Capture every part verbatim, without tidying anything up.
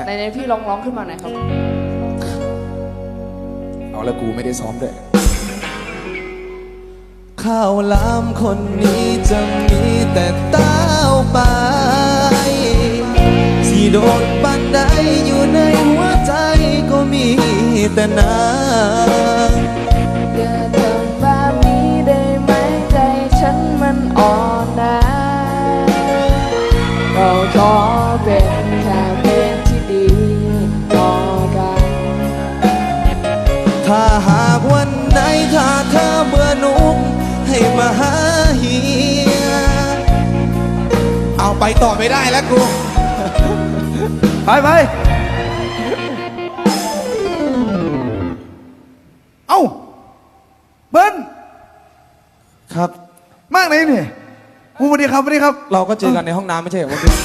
เนี่ยในๆพี่ร้องร้องขึ้นมาหน่อยครับเอาแล้วกูไม่ได้ซ้อมด้วยข้าวหลามคนนี้จะมีแต่เต้าไปสีโดนปันใดอยู่ในหัวใจก็มีแต่นางอย่าทำแบบนี้ได้ไหมใจฉันมันอ่อนนะเราขอเป็นแค่เพื่อนที่ดีต่อกันถ้าหากวันไหนถ้าเธอเบื่อหนุ่มให้มาหาเฮียเอาไปต่อไม่ได้แล้วกูไปไปเอ้าเบิ้ลครับมากเลยนี่สวัสดีครับสวัสดีครับเราก็เจอกันในห้องน้ำไม่ใช่เหรอเมื่อกี้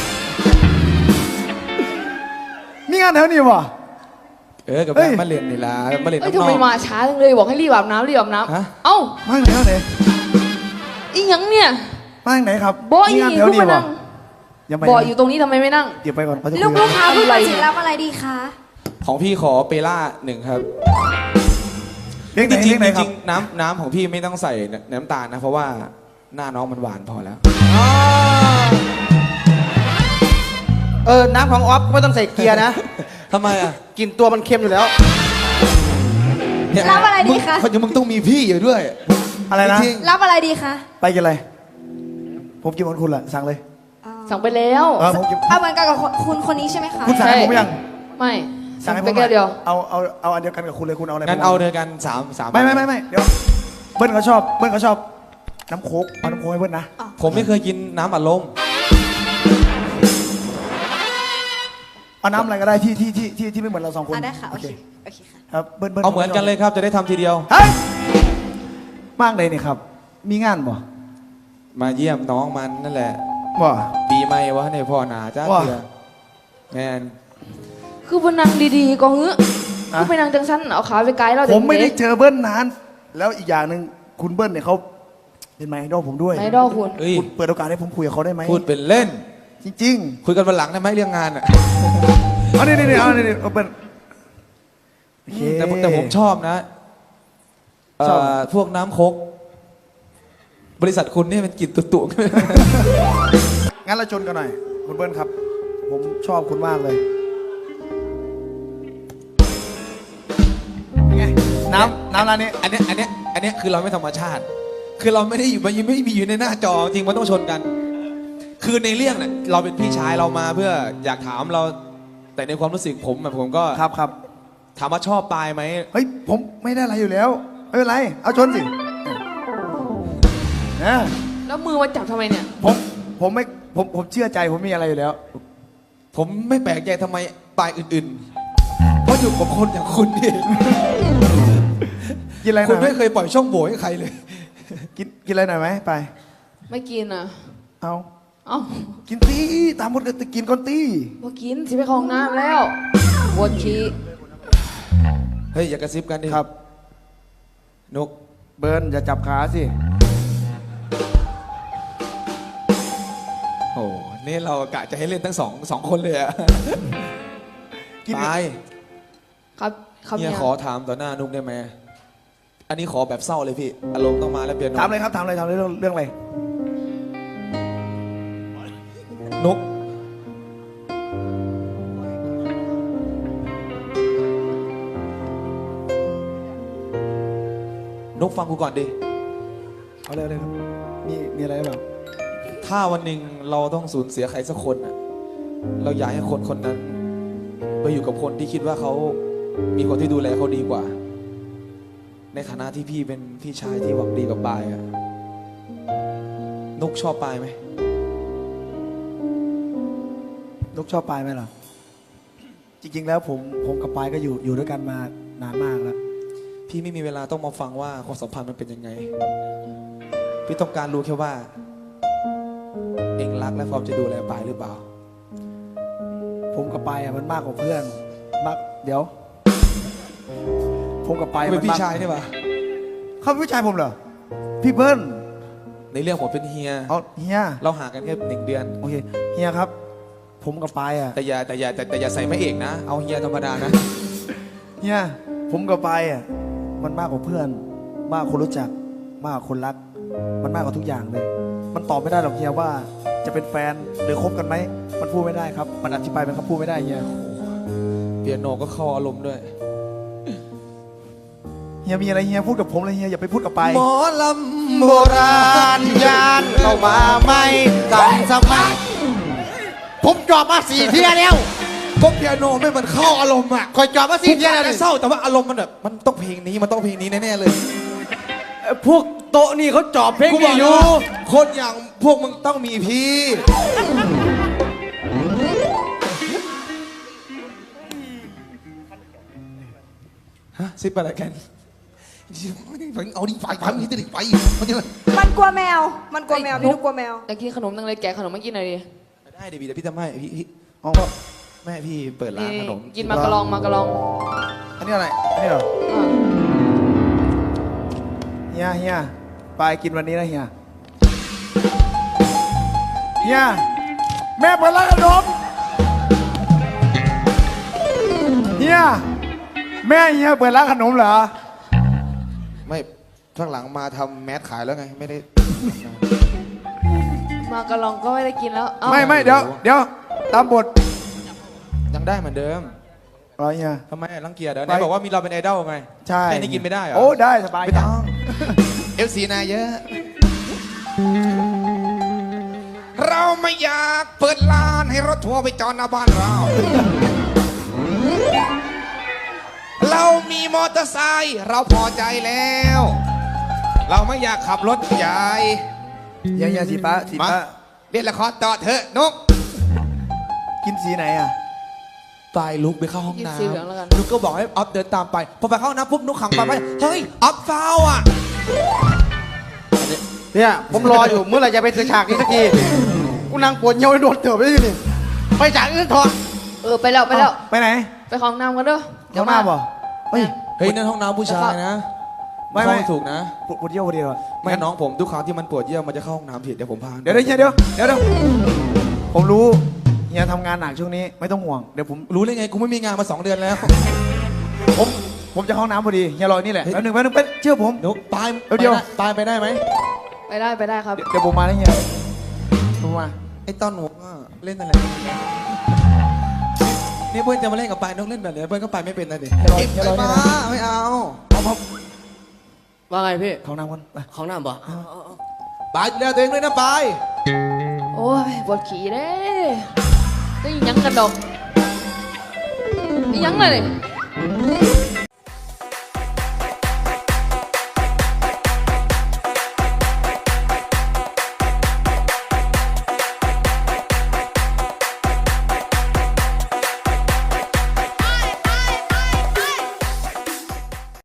มีงานแถวนี้วะเออกับแม่มาเรียนนี่ละมาเรียนเอ้ยน้ทำองไมมาช้าจังเลยบอกให้รีบอาบน้ำรีบอาบน้ำเอ้ามาไหนไหนอีหยังเนี่ยมาไหนครับบอยอีลูกมานั่งบอยอยู่ตรงนี้ทำไมไม่นั่งเดี๋ยวไปก่อนเขาจะคุยลูกลูกค้าเพิ่งมาถึงรับอะไรดีคะของพี่ขอเปล่าหนึ่งครับเลี้ยงไหนจริงเลี้ยงไหนจครัริบงน้ำน้ำของพี่ไม่ต้องใส่น้ำตาลนะเพราะว่าหน้าน้องมันหวานพอแล้วเออน้ำของออฟไม่ต้องใส่เกียร์นะทำไมอ่ะกลิ่นตัวมันเค็มอยู่แล้วรับอะไรดีคะเขาจะมึงต้องมีพี่อยู่ด้วยอะไรนะรับอะไรดีคะไปกินอะไรผมกินเหมือนคุณแหละสั่งเลยสั่งไปแล้วเออผมกินเอาเหมือนกันกับคุณคนนี้ใช่ไหมคะคุณสั่งให้ผมยังไม่สั่งให้ผมไปแค่เดียวเอาเอาเอาอันเดียวกันกับคุณเลยคุณเอาอะไรงั้นเอาเดียวกันสามสามไม่ไม่ไม่ไม่เดี๋ยวเบิ้ลเขาชอบเบิ้ลเขาชอบน้ำโค้กเอาน้ำโค้กให้เบิ้ลนะผมไม่เคยกินน้ำอัดลมเอาน้ำอะไรก็ได้ที่ที่ที่ที่ที่ไม่เหมือนเราสองคนได้ค่ะโอเคโอเคค่ะครับเบิ้ลเบิ้ลเอาเหมือนกันเลยครับจะได้ทำทีเดียวเฮ้ยมากเลยนี่ครับมีงานบ่มาเยี่ยมน้องมันนั่นแหละบ่ปีใหม่วะในพ่อหนาจ้าเถื่อแมนคือพนังดีๆก็เฮ้ยคือไปนั่งจังชั้นเอาขาไปไกลเราผมไม่ได้เจอเบิ้ลนานแล้วอีกอย่างหนึ่งคุณเบิ้ลเนี่ยเขาเป็นไมดอลผมด้วยไมดอลคุณคุณเปิดโอกาสให้ผมคุยกับเขาได้ไหมพูดเป็นเล่นจริงๆคุยกันวันหลังได้ไหมเรื่องงานอ่ะเอาเนี่ยเนี่ยเอาเนี่ยเอาเป็นแต่แต่ผมชอบนะพวกน้ำโคกบริษัทคุณนี่มันกลิ่นตุ่ๆงั้นเราชนกันหน่อยคุณเบิ้ลครับผมชอบคุณมากเลยไงน้ำน้ำร้านนี้อันนี้อันนี้อันนี้คือเราไม่ธรรมชาติคือเราไม่ได้อยู่มันยังไม่มีอยู่ในหน้าจอจริงมันต้องชนกันคือในเรื่องเนี่ยเราเป็นพี่ชายเรามาเพื่ออยากถามเราแต่ในความรู้สึกผมแบบผมก็ครับครับถามว่าชอบปลายไหมเฮ้ยผมไม่ได้อะไรอยู่แล้วไม่เป็นไรเอาชนสินะแล้วมือมาจับทำไมเนี่ยผมผมไม่ผมผมเชื่อใจผมมีอะไรอยู่แล้วผมไม่แปลกใจทำไมปลายอื่นๆเพราะอยู่กับคนอย่างคุณนี่กินอะไรคุณไม่เคยปล่อยช่องโหว่ให้ใครเลยกินกินอะไรหน่อยไหมไปไม่กินอ่ะเอาเอากินตีตามมดเลยกินก่อนตีว่ากินสิไปคลองน้ำแล้ววนขี้เฮ้ยอย่ากระซิบกันดิครับนกเบิร์นอย่าจับขาสิโอ้นี่เรากะจะให้เล่นทั้งสองสองคนเลยอะตายครับครับเนี่ยขอถามต่อหน้านุกได้ไหมอันนี้ขอแบบเศร้าเลยพี่อารมณ์ต้องมาแล้วเปลี่ยนถามเลยครับถามเลยถามเลยเรื่องเรื่องอะไรนุกนุกฟังกูก่อนดิเอาเลยเลยครับมีมีอะไรบ้างถ้าวันหนึ่งเราต้องสูญเสียใครสักคนอ่ะเราอยากให้คนคนนั้นไปอยู่กับคนที่คิดว่าเขามีคนที่ดูแลเขาดีกว่าในฐานะที่พี่เป็นพี่ชายที่หวังดีกับปายอ่ะนุกชอบปายไหมนุกชอบปายไหมล่ะจริงๆแล้วผมผมกับปายก็อยู่อยู่ด้วยกันมานานมากแล้วพี่ไม่มีเวลาต้องมาฟังว่าความสัมพันธ์มันเป็นยังไงพี่ต้องการรู้แค่ว่าเองรักและพร้อมจะดูแลปายหรือเปล่าผมกับปายอ่ะมันมากกว่าเพื่อนมากเดี๋ยวผมกับปายเป็นพี่ชายใช่ปะเขาเป็นพี่ชายผมเหรอพี่เบิ้ลในเรื่องผมเป็นเฮียเอาเฮียเราห่างกันแค่หนึ่งเดือนโอเคเฮียครับผผมกับปายอ่ะแต่อย่าแต่อย่าแต่แต่อย่าใส่พระเอกนะ เอาเฮียธรรมดานะเฮียผมกับปายอ่ะมันมากกว่าเพื่อน มากกว่าคนรู้จัก มากกว่าคนรัก มันมากกว่าทุกอย่างเลย มันตอบไม่ได้หรอกเฮียว่าจะเป็นแฟนหรือคบกันไหมมันพูดไม่ได้ครับ มันอธิบายเป็นคำพูดไม่ได้เฮียเปียโนก็เข้าอารมณ์ด้วยเฮียมีอะไรเฮียพูดกับผมเลยเฮียอย่าไปพูดกับปายหมอลำโบราณยานเข้ามาไม่ทันสมัยผมจอบมาสี่เที่ยแล้วพวกเปียโนไม่มันเข้าอารมณ์อ่ะคอยจอบมาสี่เที่ยแล้วเศร้าแต่ว่าอารมณ์มันแบบมันต้องเพลงนี้มันต้องเพลงนี้แน่ๆเลยพวกโต๊ะนี่เขาจอบเพลงกูบนี้อกออยู่ ยู่คนอย่างพวกมึงต้องมีพี่ ฮะซิปอะไรกันเอาดิไปไปมึงจะดิไปมันจะมันกลัวแมว มันกลัวแมว พี่นุ๊กกลัวแมวอยากกินขนมนังเลยแกะขนมมากินหน่อยดิได้ดิพี่เดี๋ยวพี่ทำให้พี่พี่อ๋อแม่พี่เปิดร้านขนมกินมากระลองมากระลองอันนี้อะไรอันนี้เหรออ่ะเฮียเฮียปายกินวันนี้นะเฮียเฮียแม่เปิดร้านขนมเฮียแม่เฮียเปิดร้านขนมเหรอไม่ข้างหลังมาทำแมสขายแล้วไงไม่ได้มากระลองก็ไม่ได้กินแล้วเอ้าไม่ไม่เดี๋ยวเดี๋ยวตามบทยังได้เหมือนเดิมเหรอเฮียทำไมรังเกียจเดี๋ยวไหนบอกว่ามีเราเป็นไอดอลไงใช่แค่นี้กินไม่ได้เหรอโอ้ได้สบายไม่ต้อง เอฟซีนายเยอะ เราไม่อยากเปิดร้านให้รถทัวร์ไปจอดหน้าบ้านเรา เรามีมอเตอร์ไซค์เราพอใจแล้ว เราไม่อยากขับรถใหญ่เฮียเฮียสีฟ้าสีมาฟ้าเล่นละครต่อเถอะนกกินสีไหนอ่ะตายลุกไปเข้าห้องกินน้สีเหลืองแล้วกันำลุกก็บอกให้ออฟเดินตามไป พอไปเข้าห้องน้ำปุ๊บนุกขังไปไปเฮ้ยออฟฟาวอ่ะเนี่ยผมรออยู่เมื่อไหร่จะไปถึงฉากนี้สักทีกูนั่งปวดเยี่ยวโดนเถื่อนไปที่นี่ไปฉากอื่นเถอะเออไปแล้วไปแล้วไปไหนไปของน้ำกันเด้อเดี๋ยวหน้าบ่เฮ้ยเฮ้ยนั่นห้องน้ำผู้ชายนะไม่ไม่เข้าถูกนะปวดปวดเยี่ยวพอดีเลยไม่น้องผมทุกครั้งที่มันปวดเยี่ยวมันจะเข้าห้องน้ำผิดเดี๋ยวผมพาเดี๋ยวเดี๋ยวเฮียเดี๋ยวเดี๋ยวเดี๋ยวผมรู้เฮียทำงานหนักช่วงนี้ไม่ต้องห่วงเดี๋ยวผมรู้ได้ไงกูไม่มีงานมาสองเดือนแล้วผมผมจะเข้าห้องน้ำพอดีเฮียรอนี่แหละเฮ้ยแป๊บหนึงแป๊บหนึงแป๊บเชื่อผมนุกปลายเดี๋ยวปลายไปได้ไหมไปได้ไปได้ครับเดี๋ยวผมมาแล้วเฮียผมมาไอ้ต้นหัวก็เล่นอะไรนี่เพื่อนจะมาเล่นกับปลายนกเล่นแบบนี้เพื่อนก็ไปไม่เป็นนะดิเฮียรอเก็บเฮียรอไปนี่มานะไม่เอาเอามาว่าไงพี่เข้าห้องน้ำก่อนไปของน้ำบ่ปลายดูแลตัวเองด้วยนะปลายโอ้ยปวดขี่เด้ก็ยังกันดอกยังเลย